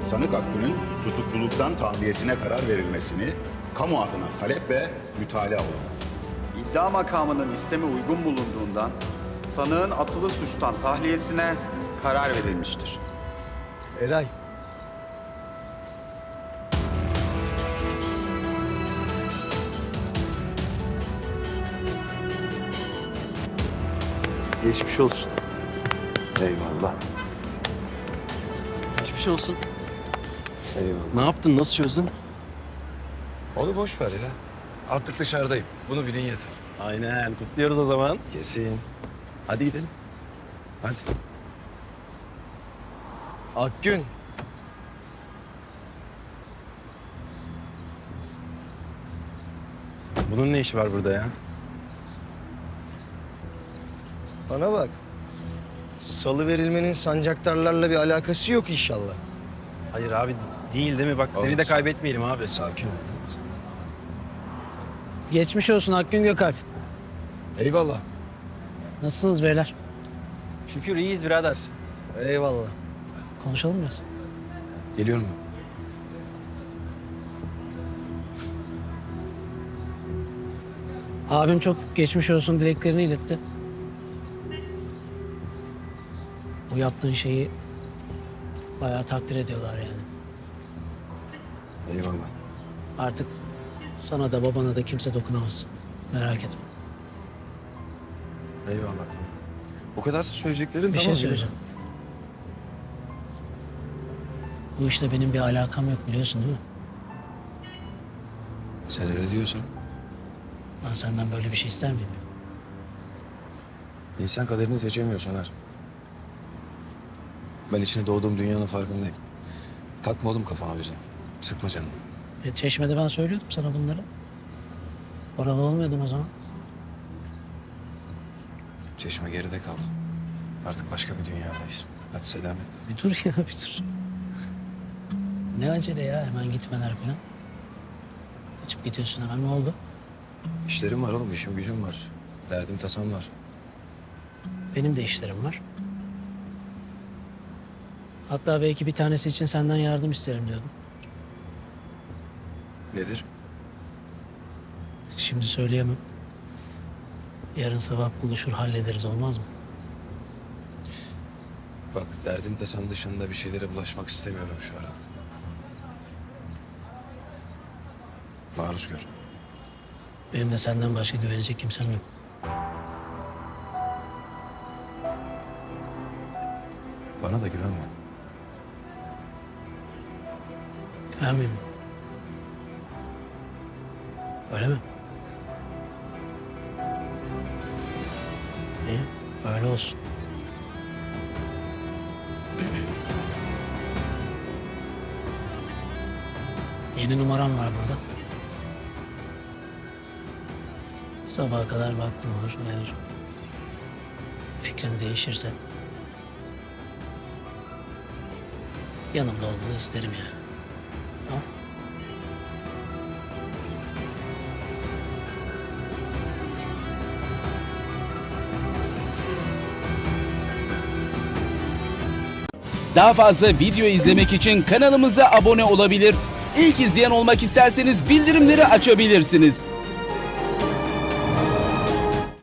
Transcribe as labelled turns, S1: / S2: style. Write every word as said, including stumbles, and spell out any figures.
S1: sanık Hakkı'nın tutukluluktan tahliyesine karar verilmesini kamu adına talep ve mütalaa olunur.
S2: İddia makamının istemi uygun bulunduğundan sanığın atılı suçtan tahliyesine karar verilmiştir.
S3: Eray. Geçmiş olsun.
S4: Eyvallah.
S5: Geçmiş olsun.
S4: Eyvallah.
S5: Ne yaptın? Nasıl çözdün?
S4: Onu boş ver ya. Artık dışarıdayım. Bunu bilin yeter.
S5: Aynen. Kutluyoruz o zaman.
S4: Kesin. Hadi gidelim. Hadi.
S3: Akgün.
S5: Bunun ne işi var burada ya?
S3: Bana bak. Salı verilmenin sancaktarlarla bir alakası yok inşallah.
S5: Hayır abi değil değil mi? Bak seni
S4: Oğlum
S5: de
S4: sen-
S5: kaybetmeyelim abi.
S4: Sakin ol.
S6: Geçmiş olsun Akgün Gökalp.
S4: Eyvallah.
S6: Nasılsınız beyler?
S5: Şükür iyiyiz birader.
S3: Eyvallah.
S6: Konuşalım biraz.
S4: Geliyorum ben.
S6: Abim çok geçmiş olsun dileklerini iletti. Bu yaptığın şeyi bayağı takdir ediyorlar yani.
S4: Eyvallah.
S6: Artık sana da babana da kimse dokunamaz. Merak etme.
S4: Eyvallah tamam. Bu kadarsa söyleyeceklerim
S6: Bir
S4: tamam.
S6: şey söyleyeceğim. Bu işte benim bir alakam yok biliyorsun değil mi?
S4: Sen öyle diyorsun.
S6: Ben senden böyle bir şey ister miyim?
S4: İnsan kaderini seçemiyor Soner. Ben içine doğduğum dünyanın farkındayım. Takma oğlum kafana o yüzden. Sıkma canını.
S6: E, Çeşme'de ben söylüyordum sana bunları. Oralı olmuyordun o zaman.
S4: Çeşme geride kaldı. Artık başka bir dünyadayız. Hadi selametle.
S6: Bir dur ya bir dur. Ne acele ya hemen gitmeler falan. Kaçıp gidiyorsun hemen ne oldu?
S4: İşlerim var oğlum, işim gücüm var. Derdim tasam var.
S6: Benim de işlerim var. Hatta belki bir tanesi için senden yardım isterim diyordum.
S4: Nedir?
S6: Şimdi söyleyemem. Yarın sabah buluşur hallederiz olmaz mı?
S4: Bak derdim tasam dışında bir şeylere bulaşmak istemiyorum şu ara. Maruz gör.
S6: Benim de senden başka güvenecek kimsem yok.
S4: Bana da güvenme.
S6: Güvenmeyeyim mi? Öyle mi? İyi, öyle olsun. Yeni numaram var burada. Sabaha kadar vaktim var. Eğer fikrin değişirse yanımda olmanı isterim yani. Tamam?
S7: Daha fazla video izlemek için kanalımıza abone olabilir. İlk izleyen olmak isterseniz bildirimleri açabilirsiniz.